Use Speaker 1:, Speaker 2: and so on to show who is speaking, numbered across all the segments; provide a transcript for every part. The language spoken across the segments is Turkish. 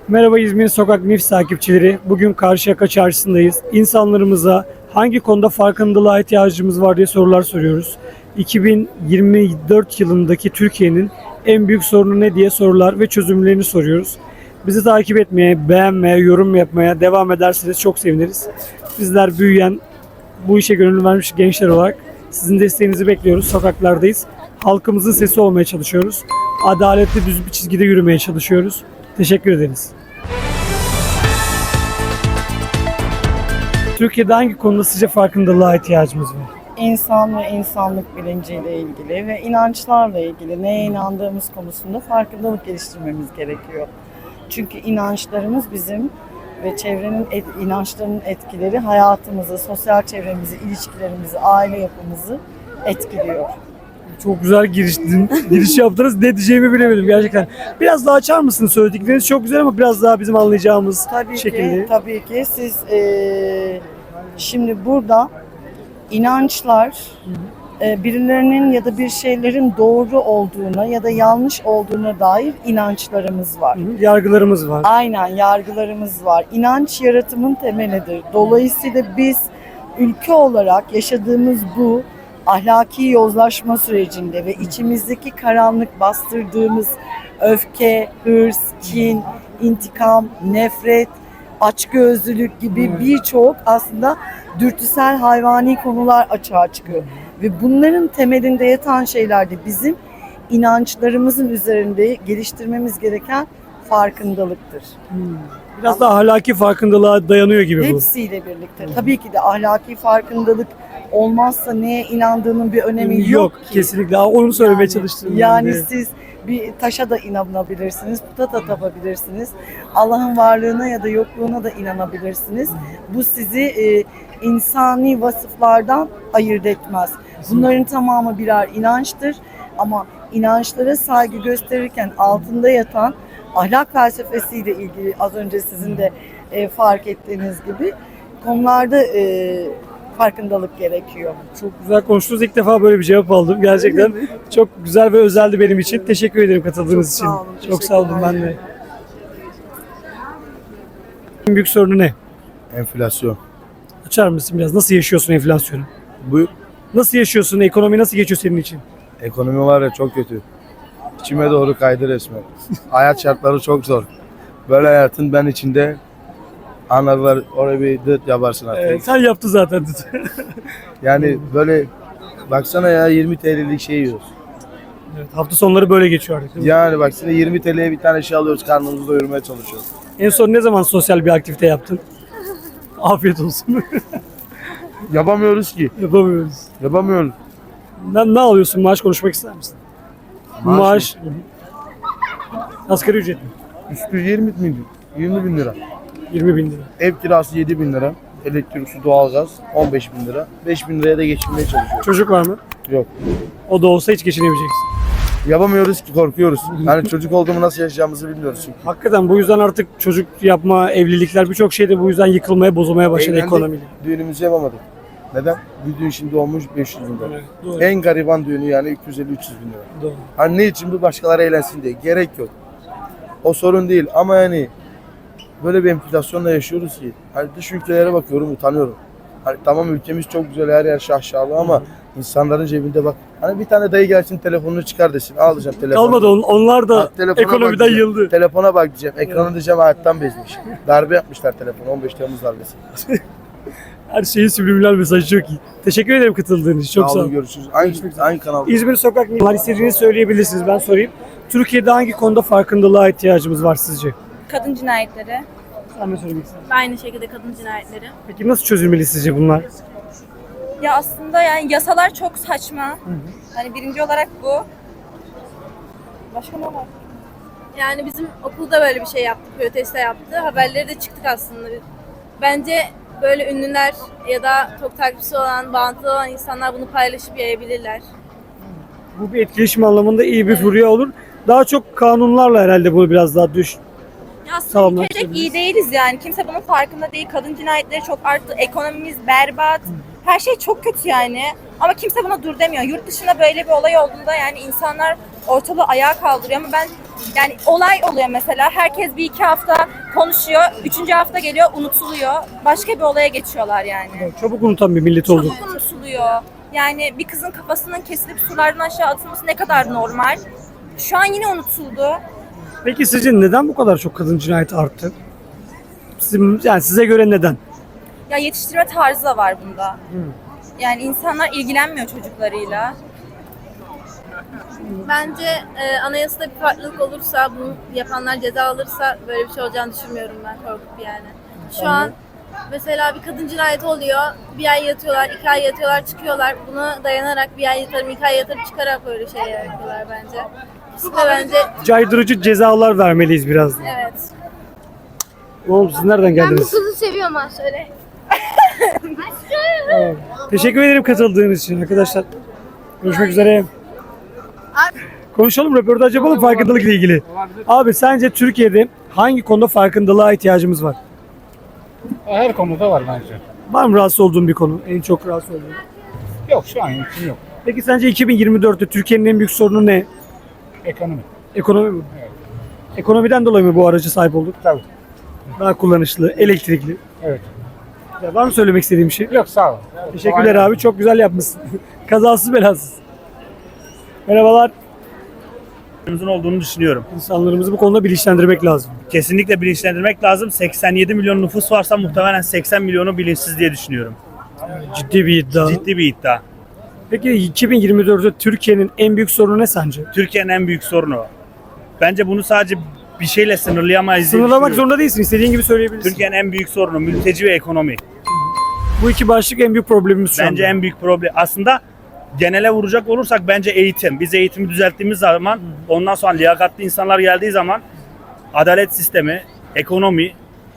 Speaker 1: Merhaba İzmir Sokak News takipçileri. Bugün Karşıyaka Çarşısı'ndayız. İnsanlarımıza hangi konuda farkındalığa ihtiyacımız var diye sorular soruyoruz. 2024 yılındaki Türkiye'nin en büyük sorunu ne diye sorular ve çözümlerini soruyoruz. Bizi takip etmeye, beğenmeye, yorum yapmaya devam ederseniz çok seviniriz. Bizler büyüyen, bu işe gönül vermiş gençler olarak sizin desteğinizi bekliyoruz. Sokaklardayız. Halkımızın sesi olmaya çalışıyoruz. Adaletli düz bir çizgide yürümeye çalışıyoruz. Teşekkür ederiz. Türkiye'de hangi konuda sizce farkındalığa ihtiyacımız var?
Speaker 2: İnsan ve insanlık bilinciyle ilgili ve inançlarla ilgili neye inandığımız konusunda farkındalık geliştirmemiz gerekiyor. Çünkü inançlarımız bizim ve çevrenin inançlarının etkileri hayatımızı, sosyal çevremizi, ilişkilerimizi, aile yapımızı etkiliyor.
Speaker 1: Çok güzel giriş yaptınız. Ne diyeceğimi bilemedim gerçekten. Biraz daha açar mısınız? Söyledikleriniz çok güzel ama biraz daha bizim anlayacağımız şekilde.
Speaker 2: Tabii ki siz şimdi burada inançlar birilerinin ya da bir şeylerin doğru olduğuna ya da yanlış olduğuna dair inançlarımız var.
Speaker 1: Yargılarımız var.
Speaker 2: Aynen, yargılarımız var. İnanç yaratımın temelidir. Dolayısıyla biz ülke olarak yaşadığımız bu ahlaki yozlaşma sürecinde ve içimizdeki karanlık bastırdığımız öfke, hırs, kin, intikam, nefret, açgözlülük gibi birçok aslında dürtüsel hayvani konular açığa çıkıyor. Ve bunların temelinde yatan şeyler de bizim inançlarımızın üzerinde geliştirmemiz gereken farkındalıktır.
Speaker 1: Biraz da ahlaki farkındalığa dayanıyor gibi bu.
Speaker 2: Hepsiyle birlikte. Tabii ki de ahlaki farkındalık olmazsa neye inandığının bir önemi yok ki.
Speaker 1: Kesinlikle. Onu söylemeye çalıştım.
Speaker 2: Yani siz bir taşa da inanabilirsiniz, puta da tapabilirsiniz. Allah'ın varlığına ya da yokluğuna da inanabilirsiniz. Bu sizi insani vasıflardan ayırt etmez. Bunların tamamı birer inançtır ama inançlara saygı gösterirken altında yatan ahlak felsefesiyle ilgili az önce sizin de fark ettiğiniz gibi konularda farkındalık gerekiyor.
Speaker 1: Çok güzel konuştunuz. İlk defa böyle bir cevap aldım. Gerçekten çok güzel ve özeldi benim için. Teşekkür ederim katıldığınız için.
Speaker 2: Sağ olun,
Speaker 1: Çok sağ olun ben de. En büyük sorunu ne?
Speaker 3: Enflasyon.
Speaker 1: Açar mısın biraz? Nasıl yaşıyorsun enflasyonu?
Speaker 3: Bu
Speaker 1: Nasıl yaşıyorsun? Ekonomi nasıl geçiyor senin için?
Speaker 3: ekonomi var ya çok kötü. İçime doğru kaydı resmen. Hayat şartları çok zor. Böyle hayatın ben içinde ana var oraya bir dıt yaparsın artık.
Speaker 1: Evet, sen yaptın zaten.
Speaker 3: Yani böyle baksana ya 20 TL'lik şey yiyoruz.
Speaker 1: Evet, hafta sonları böyle geçiyor artık.
Speaker 3: Yani baksana 20 TL'ye bir tane şey alıyoruz karnımızı doyurmaya çalışıyoruz.
Speaker 1: En son ne zaman sosyal bir aktivite yaptın? Afiyet olsun.
Speaker 3: Yapamıyoruz ki.
Speaker 1: Yapamıyoruz.
Speaker 3: Yapamıyoruz.
Speaker 1: Ne alıyorsun? Maaş konuşmak ister misin? Maaş. Asgari ücret mi?
Speaker 3: Üstü 20 bin, 20 bin lira.
Speaker 1: 20 bin lira.
Speaker 3: Ev kirası 7 bin lira. Elektrik, su, doğalgaz 15 bin lira. 5 bin liraya da geçinmeye çalışıyoruz.
Speaker 1: Çocuk var mı?
Speaker 3: Yok.
Speaker 1: O da olsa hiç geçinemeyeceksin.
Speaker 3: Yapamıyoruz ki korkuyoruz. Yani çocuk olduğumu nasıl yaşayacağımızı bilmiyoruz çünkü.
Speaker 1: Hakikaten bu yüzden artık çocuk yapma, evlilikler birçok şey de bu yüzden yıkılmaya, bozulmaya başladı
Speaker 3: Evlendik,
Speaker 1: ekonomiyle.
Speaker 3: düğünümüzü yapamadık. Neden? Bir düğün şimdi olmuş 500 bin lira.
Speaker 1: Evet, doğru.
Speaker 3: En gariban düğünü yani 250-300 bin lira.
Speaker 1: Doğru.
Speaker 3: Hani ne için bu başkaları eğlensin diye. Gerek yok. O sorun değil ama yani böyle bir enflasyonla yaşıyoruz ki. Hani dış ülkelere bakıyorum utanıyorum. Hani tamam ülkemiz çok güzel her yer şahşalı ama insanların cebinde bak. Hani bir tane dayı gelsin telefonunu çıkar desin. Alacağım telefonu.
Speaker 1: Kalmadı onlar da
Speaker 3: Telefona
Speaker 1: ekonomiden
Speaker 3: bak diyeceğim.
Speaker 1: yıldı.
Speaker 3: Telefona bak diyeceğim. Ekranı diyeceğim hayattan bezmiş. Darbe yapmışlar telefonu. 15 Temmuz darbesi.
Speaker 1: Her şeyin subliminal mesajı çok iyi. Teşekkür ederim katıldığınız için. Çok sağ olun.
Speaker 3: Görüşürüz. Aynı kanalda.
Speaker 1: İzmir Sokak News istediğinizi söyleyebilirsiniz. Ben sorayım. Türkiye'de hangi konuda farkındalığa ihtiyacımız var sizce?
Speaker 4: Kadın cinayetleri.
Speaker 1: Sen ne söylemek istersin?
Speaker 4: Aynı şekilde kadın cinayetleri.
Speaker 1: Peki nasıl çözülmeli sizce bunlar?
Speaker 4: Ya aslında yani yasalar çok saçma. Hani birinci olarak bu. Başka ne var? Yani bizim okulda böyle bir şey yaptı, protesto yaptı. Haberleri de çıktık aslında. Bence böyle ünlüler ya da çok takipçisi olan, bağlantılı olan insanlar bunu paylaşıp yayabilirler.
Speaker 1: Bu bir etkileşim anlamında iyi bir furya olur. Daha çok kanunlarla herhalde bunu biraz daha
Speaker 4: Ya aslında
Speaker 1: Tamam,
Speaker 4: ülkecek iyi değiliz yani. Kimse bunun farkında değil. Kadın cinayetleri çok arttı. Ekonomimiz berbat. Her şey çok kötü yani. Ama kimse buna dur demiyor. Yurt dışında böyle bir olay olduğunda yani insanlar ortalığı ayağa kaldırıyor ama ben yani olay oluyor mesela. Herkes bir iki hafta konuşuyor. Üçüncü hafta geliyor unutuluyor. Başka bir olaya geçiyorlar yani.
Speaker 1: Çabuk unutan bir millet olduk.
Speaker 4: Çabuk unutuluyor. Yani bir kızın kafasının kesilip sulardan aşağı atılması ne kadar normal. Şu an yine unutuldu.
Speaker 1: Peki sizce neden bu kadar çok kadın cinayeti arttı? Yani size göre neden?
Speaker 4: Ya yetiştirme tarzı da var bunda. Yani insanlar ilgilenmiyor çocuklarıyla.
Speaker 5: Bence anayasada bir farklılık olursa, bunu yapanlar ceza alırsa böyle bir şey olacağını düşünmüyorum ben, korkup yani. Şu an mesela bir kadın cinayeti oluyor, bir ay yatıyorlar, 2 ay yatıyorlar, çıkıyorlar. Buna dayanarak bir ay yatarım, 2 ay yatarım çıkarak böyle şey yapıyorlar bence. İkisi de bence
Speaker 1: Caydırıcı cezalar vermeliyiz biraz da.
Speaker 5: evet.
Speaker 1: Oğlum siz nereden geldiniz?
Speaker 5: kızı seviyorum ha söyle.
Speaker 1: Teşekkür ederim katıldığınız için arkadaşlar. Görüşmek üzere. Konuşalım, röportaj yapalım farkındalıkla ilgili. Abi sence Türkiye'de hangi konuda farkındalığa ihtiyacımız var?
Speaker 6: Her konuda var bence.
Speaker 1: Var mı rahatsız olduğun bir konu? En çok rahatsız olduğun.
Speaker 6: Yok şu an için yok.
Speaker 1: Peki sence 2024'te Türkiye'nin en büyük sorunu ne?
Speaker 6: Ekonomi.
Speaker 1: Ekonomi mi?
Speaker 6: Evet.
Speaker 1: Ekonomiden dolayı mı bu aracı sahip olduk?
Speaker 6: Tabii.
Speaker 1: Daha kullanışlı, elektrikli.
Speaker 6: Evet.
Speaker 1: Ya var mı söylemek istediğim bir şey?
Speaker 6: Yok sağ ol.
Speaker 1: Teşekkürler abi. Çok güzel yapmışsın. Kazasız belasız. Merhabalar.
Speaker 7: olduğunu düşünüyorum.
Speaker 1: İnsanlarımızı bu konuda bilinçlendirmek lazım.
Speaker 7: Kesinlikle bilinçlendirmek lazım. 87 milyon nüfus varsa muhtemelen 80 milyonu bilinçsiz diye düşünüyorum.
Speaker 1: Ciddi bir iddia.
Speaker 7: Ciddi bir iddia.
Speaker 1: Peki 2024'te Türkiye'nin en büyük sorunu ne sence?
Speaker 7: Türkiye'nin en büyük sorunu. Bence bunu sadece bir şeyle sınırlayamayız diye
Speaker 1: Sınırlamak
Speaker 7: düşünüyorum.
Speaker 1: zorunda değilsin. İstediğin gibi söyleyebilirsin.
Speaker 7: Türkiye'nin en büyük sorunu mülteci ve ekonomi.
Speaker 1: Bu iki başlık en büyük problemimiz şu
Speaker 7: Bence
Speaker 1: anda.
Speaker 7: en büyük problem. Aslında genele vuracak olursak bence eğitim. Biz eğitimi düzelttiğimiz zaman, ondan sonra liyakatli insanlar geldiği zaman adalet sistemi, ekonomi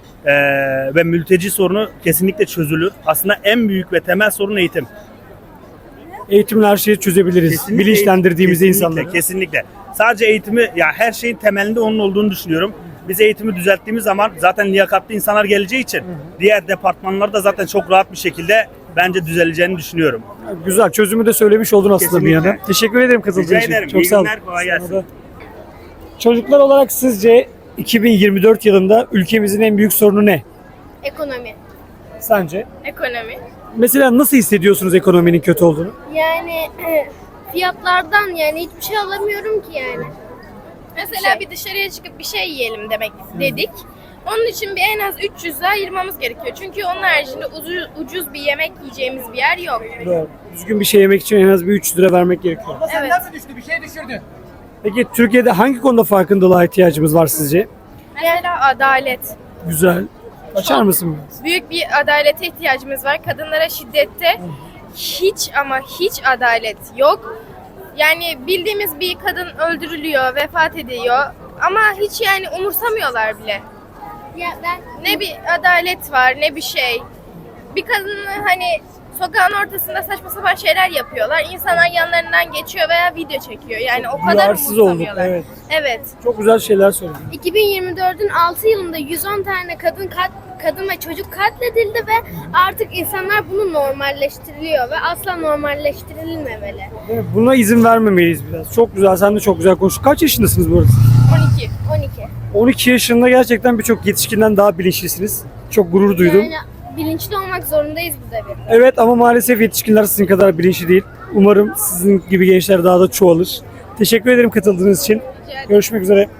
Speaker 7: ve mülteci sorunu kesinlikle çözülür. Aslında en büyük ve temel sorun eğitim.
Speaker 1: Eğitimle her şeyi çözebiliriz.
Speaker 7: Kesinlikle
Speaker 1: Bilinçlendirdiğimizde
Speaker 7: kesinlikle,
Speaker 1: insanları.
Speaker 7: Kesinlikle. Sadece eğitimi, ya her şeyin temelinde onun olduğunu düşünüyorum. Biz eğitimi düzelttiğimiz zaman zaten liyakatli insanlar geleceği için diğer departmanlar da zaten çok rahat bir şekilde bence düzeleceğini düşünüyorum.
Speaker 1: Güzel. Çözümü de söylemiş oldun aslında bir
Speaker 7: Kesinlikle.
Speaker 1: yana. Teşekkür ederim katıldığın
Speaker 7: Rica
Speaker 1: için.
Speaker 7: ederim.
Speaker 1: Çok
Speaker 7: İyi
Speaker 1: sağ ol.
Speaker 7: günler, kolay gelsin.
Speaker 1: Sana da. Çocuklar olarak sizce 2024 yılında ülkemizin en büyük sorunu ne?
Speaker 8: Ekonomi.
Speaker 1: Sence?
Speaker 8: Ekonomi.
Speaker 1: Mesela nasıl hissediyorsunuz ekonominin kötü olduğunu?
Speaker 8: Yani fiyatlardan yani hiçbir şey alamıyorum ki yani. Mesela bir dışarıya çıkıp bir şey yiyelim dedik. Onun için bir en az 300 lira ayırmamız gerekiyor. Çünkü onun haricinde ucuz bir yemek yiyeceğimiz bir yer yok.
Speaker 1: Doğru. Düzgün bir şey yemek için en az bir 300 lira vermek gerekiyor.
Speaker 8: Evet.
Speaker 1: Peki Türkiye'de hangi konuda farkındalığa ihtiyacımız var sizce?
Speaker 8: Mesela adalet.
Speaker 1: Güzel. Açar mısın biraz?
Speaker 8: Büyük bir adalete ihtiyacımız var. Kadınlara şiddette hiç ama hiç adalet yok. Yani bildiğimiz bir kadın öldürülüyor, vefat ediyor ama hiç yani umursamıyorlar bile.
Speaker 5: Ya ben
Speaker 8: Ne bir adalet var ne bir şey. Bir kadını hani sokağın ortasında saçma sapan şeyler yapıyorlar. İnsanlar yanlarından geçiyor veya video çekiyor. Yani o kadar
Speaker 1: Duyarsız olduk.
Speaker 8: umursamıyorlar.
Speaker 1: Evet.
Speaker 8: Evet.
Speaker 1: Çok güzel şeyler söyledin.
Speaker 5: 2024'ün 6 yılında 110 tane kadın ve çocuk katledildi ve artık insanlar bunu normalleştiriliyor ve asla normalleştirilmemeli.
Speaker 1: Evet, buna izin vermemeliyiz biraz. Çok güzel. Sen de çok güzel konuştun. Kaç yaşındasınız bu arada?
Speaker 8: 12.
Speaker 5: 12.
Speaker 1: 12 yaşında gerçekten birçok yetişkinden daha bilinçlisiniz. Çok gurur duydum.
Speaker 5: Yani bilinçli olmak zorundayız bu devirde.
Speaker 1: Evet ama maalesef yetişkinler sizin kadar bilinçli değil. Umarım sizin gibi gençler daha da çoğalır. Teşekkür ederim katıldığınız için. Görüşmek üzere.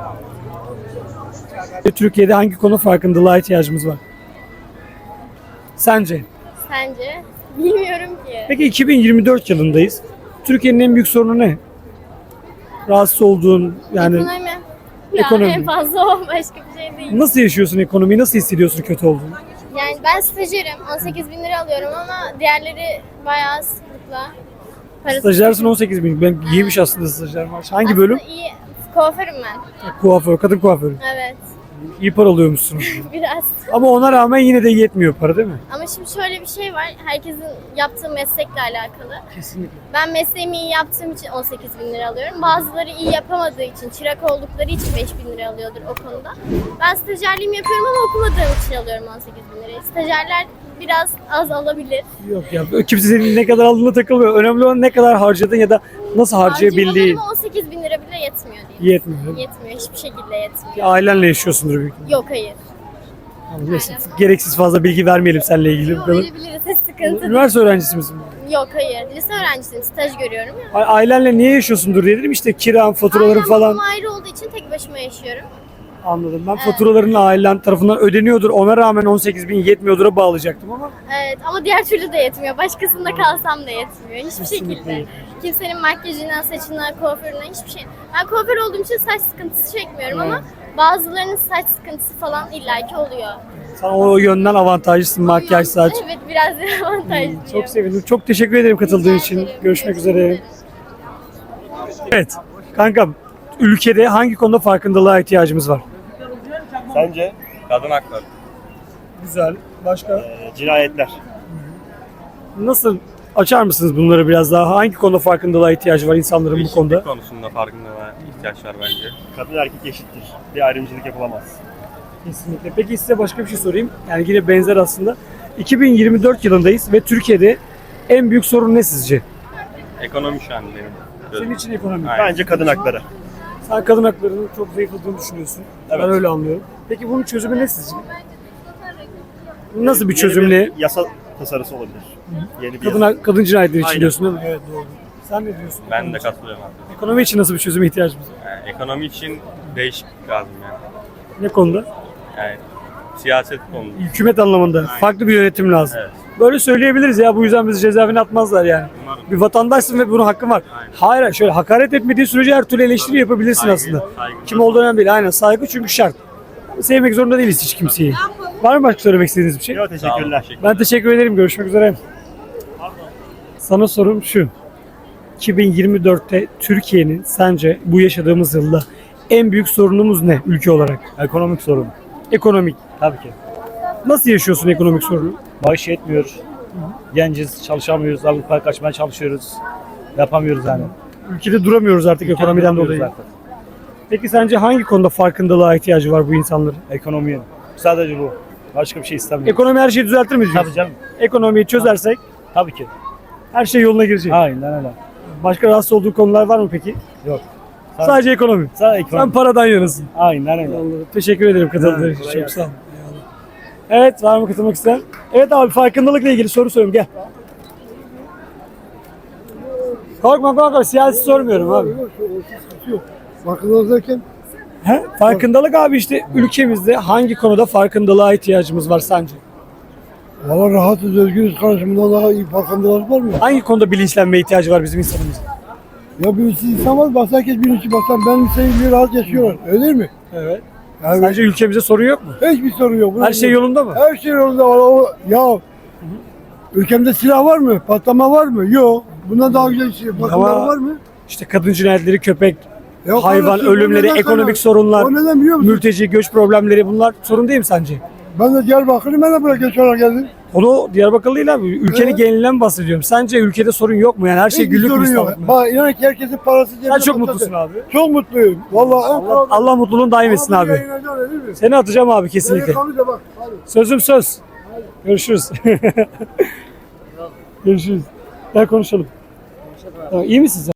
Speaker 1: Türkiye'de hangi konu farkındalığa ihtiyacımız var? Sence?
Speaker 5: Sence? Bilmiyorum ki.
Speaker 1: Peki 2024 yılındayız. Türkiye'nin en büyük sorunu ne? Rahatsız olduğun yani
Speaker 5: Ekonomi. Ya
Speaker 1: Ekonomi.
Speaker 5: en fazla o, başka bir şey değil.
Speaker 1: nasıl yaşıyorsun ekonomiyi? Nasıl hissediyorsun kötü olduğunu?
Speaker 5: Yani ben stajyerim. 18 bin lira alıyorum ama diğerleri bayağı sıklıkla. Parası
Speaker 1: Stajyersın 18 bin. Ben iyiymiş aslında stajyer maaşı. Hangi bölüm?
Speaker 5: Aslında iyi. Kuaförüm ben.
Speaker 1: Kuaför, kadın kuaförü.
Speaker 5: Evet.
Speaker 1: İyi para alıyormuşsunuz.
Speaker 5: Biraz.
Speaker 1: Ama ona rağmen yine de yetmiyor para değil mi?
Speaker 5: Ama şimdi şöyle bir şey var. Herkesin yaptığı meslekle alakalı.
Speaker 1: Kesinlikle.
Speaker 5: Ben mesleğimi iyi yaptığım için 18 bin lira alıyorum. Bazıları iyi yapamadığı için, çırak oldukları için 5 bin lira alıyordur o konuda. Ben stajyerliğimi yapıyorum ama okumadığım için alıyorum 18 bin lirayı. Stajyerler biraz az alabilir.
Speaker 1: Yok ya kimse senin ne kadar aldığına takılmıyor. Önemli olan ne kadar harcadın ya da nasıl harcayabildiğin.
Speaker 5: Harcamalarımı 18 bin lira
Speaker 1: Yetmiyor.
Speaker 8: Yetmiyor. Hiçbir şekilde yetmiyor.
Speaker 1: Ailenle yaşıyorsundur büyük ihtimalle.
Speaker 8: Yok hayır.
Speaker 1: Neyse, gereksiz fazla bilgi vermeyelim seninle ilgili.
Speaker 8: Yok verebiliriz. Hiç sıkıntı değil.
Speaker 1: Üniversite öğrencisi misin?
Speaker 8: Yok hayır. Lise öğrencisiyim. Staj görüyorum ya.
Speaker 1: Ailenle niye yaşıyorsundur diye dedim, işte kiran, faturaların
Speaker 8: Ailem
Speaker 1: falan.
Speaker 8: babam ayrı olduğu için tek başıma yaşıyorum.
Speaker 1: Anladım. Ben faturaların ailen tarafından ödeniyordur. Ona rağmen 18.000 yetmiyordur'a bağlayacaktım ama
Speaker 8: Evet ama diğer türlü de yetmiyor. Başkasında kalsam da yetmiyor. Hiçbir
Speaker 1: Kesinlikle
Speaker 8: şekilde.
Speaker 1: yetmiyor.
Speaker 8: Kimsenin makyajına, saçına, kuaförüne hiçbir şey. Ben kuaför olduğum için saç sıkıntısı çekmiyorum ama bazılarının saç sıkıntısı falan illaki oluyor.
Speaker 1: sen o yönden avantajlısın, makyaj, saç.
Speaker 8: Evet biraz avantajlı.
Speaker 1: Çok sevindim. Çok teşekkür ederim katıldığın
Speaker 8: Rica
Speaker 1: için.
Speaker 8: ederim.
Speaker 1: Görüşmek üzere.
Speaker 8: ederim.
Speaker 1: Evet. Kankam, ülkede hangi konuda farkındalığa ihtiyacımız var?
Speaker 9: Sence kadın hakları,
Speaker 1: Güzel. Başka?
Speaker 9: cinayetler.
Speaker 1: Nasıl açar mısınız bunları biraz daha? Hangi konuda farkındalığa ihtiyacı var insanların bu konuda?
Speaker 9: konusunda farkındalığa ihtiyaç var bence. Kadın erkek eşittir. Bir ayrımcılık yapılamaz.
Speaker 1: Kesinlikle. Peki size başka bir şey sorayım. Yani yine benzer aslında. 2024 yılındayız ve Türkiye'de en büyük sorun ne sizce?
Speaker 9: Ekonomi şu an benim.
Speaker 1: Senin için ekonomi.
Speaker 9: Aynen.
Speaker 7: Bence kadın hakları.
Speaker 1: Sen kadın haklarının çok zayıfladığını düşünüyorsun.
Speaker 7: Evet.
Speaker 1: Ben öyle anlıyorum. Peki bunun çözümü ne sizce? Nasıl bir
Speaker 7: Yeni
Speaker 1: çözüm ne?
Speaker 7: yasa tasarısı olabilir. Yeni bir
Speaker 1: Kadın,
Speaker 7: yasa.
Speaker 1: kadın cinayetleri için
Speaker 7: Aynen.
Speaker 1: diyorsun değil mi? Evet doğru. Sen ne diyorsun?
Speaker 9: Ben de katılıyorum abi.
Speaker 1: Ekonomi için nasıl bir çözüme ihtiyacımız var?
Speaker 9: Yani ekonomi için değişiklik lazım yani.
Speaker 1: Ne konuda?
Speaker 9: Yani siyaset konusu.
Speaker 1: Hükümet anlamında. Farklı bir yönetim lazım.
Speaker 9: Evet.
Speaker 1: Böyle söyleyebiliriz ya, bu yüzden bizi cezaevine atmazlar yani.
Speaker 9: Umarım.
Speaker 1: Bir vatandaşsın ve bunun hakkın var.
Speaker 9: Aynen.
Speaker 1: Hayır, şöyle hakaret etmediği sürece her türlü eleştiri yapabilirsin
Speaker 9: Saygı,
Speaker 1: aslında.
Speaker 9: saygı.
Speaker 1: Kim olduğu önemli değil. Aynen, saygı çünkü şart. Sevmek zorunda değiliz hiç kimseyi. Var mı başka söylemek istediğiniz bir şey?
Speaker 7: Yok, teşekkürler.
Speaker 1: Ben teşekkür ederim. Görüşmek üzere. Sana sorum şu. 2024'te Türkiye'nin sence bu yaşadığımız yılda en büyük sorunumuz ne ülke olarak?
Speaker 10: Ekonomik sorun.
Speaker 1: Ekonomik.
Speaker 10: Tabii ki.
Speaker 1: Nasıl yaşıyorsun ekonomik sorunu?
Speaker 10: Maaş yetmiyor. Genciz, çalışamıyoruz. Avrupa'ya kaçmaya çalışıyoruz. Yapamıyoruz yani.
Speaker 1: Ülkede duramıyoruz artık ekonomiden
Speaker 10: Duramıyoruz
Speaker 1: dolayı.
Speaker 10: zaten.
Speaker 1: Peki sence hangi konuda farkındalığa ihtiyacı var bu insanların?
Speaker 10: Ekonomiye. Sadece bu. Başka bir şey istemiyorum.
Speaker 1: Ekonomi her şeyi düzeltir mi diyorsun?
Speaker 10: Tabii canım.
Speaker 1: Ekonomiyi çözersek
Speaker 10: Tabii ki.
Speaker 1: her şey yoluna girecek.
Speaker 10: Aynen öyle.
Speaker 1: Başka rahatsız olduğu konular var mı peki?
Speaker 10: Yok.
Speaker 1: Sadece ekonomi.
Speaker 10: Sadece
Speaker 1: Sen
Speaker 10: ekonomi.
Speaker 1: paradan yanasın.
Speaker 10: Aynen öyle.
Speaker 1: Anladım. Teşekkür ederim katıldığın
Speaker 10: Evet,
Speaker 1: için.
Speaker 10: kolay
Speaker 1: Çok
Speaker 10: gelsin.
Speaker 1: sağ ol. Eyvallah. Evet, var mı katılmak isteyen? Evet abi, farkındalıkla ilgili soru soruyorum, gel. Korkma, siyasi sormuyorum abi.
Speaker 3: Farkındalık derken
Speaker 1: He? Farkındalık abi, işte ülkemizde hangi konuda farkındalığa ihtiyacımız var sence?
Speaker 3: valla rahatız, özgürüz, karşımda daha iyi farkındalık var mı?
Speaker 1: Hangi konuda bilinçlenmeye ihtiyacı var bizim insanımızın?
Speaker 3: Ya birisi insan var, bak herkes bilinçli, baksan ben senin rahat yaşıyorlar, öyle değil mi?
Speaker 1: Evet.
Speaker 3: Yani
Speaker 1: Sence ülkemizde sorun yok mu?
Speaker 3: hiçbir sorun yok.
Speaker 1: Her şey yolunda mı?
Speaker 3: Her şey yolunda var. Ya ülkemde silah var mı? Patlama var mı? Yok. Bundan daha güzel şey. Bakımlar
Speaker 1: Ama-
Speaker 3: var mı?
Speaker 1: İşte kadın cinayetleri, köpek,
Speaker 3: Yok
Speaker 1: hayvan
Speaker 3: kardeşim, o
Speaker 1: ölümleri,
Speaker 3: neden
Speaker 1: ekonomik
Speaker 3: sana-
Speaker 1: sorunlar,
Speaker 3: O neden biliyor musun?
Speaker 1: mülteci, göç problemleri, bunlar sorun değil mi sence?
Speaker 3: Ben de Diyarbakır'ı ben de buraya göç olarak geldim.
Speaker 1: Onu Diyarbakırlı değil abi. Ülkenin
Speaker 3: Evet.
Speaker 1: genelinden bahsediyorum. Sence ülkede sorun yok mu? Yani her şey
Speaker 3: Hiçbir
Speaker 1: güllük
Speaker 3: sorun yok.
Speaker 1: gülistanlık mı?
Speaker 3: Bak inan ki herkesin parası cebinde.
Speaker 1: Sen çok
Speaker 3: patladı.
Speaker 1: mutlusun abi.
Speaker 3: Çok mutluyum. Vallahi
Speaker 1: Allah mutluluğunu daim etsin abi. Seni atacağım abi kesinlikle.
Speaker 3: Bak. Hadi.
Speaker 1: Sözüm söz. Görüşürüz. Görüşürüz. Gel konuşalım. Tamam, iyi misin sen?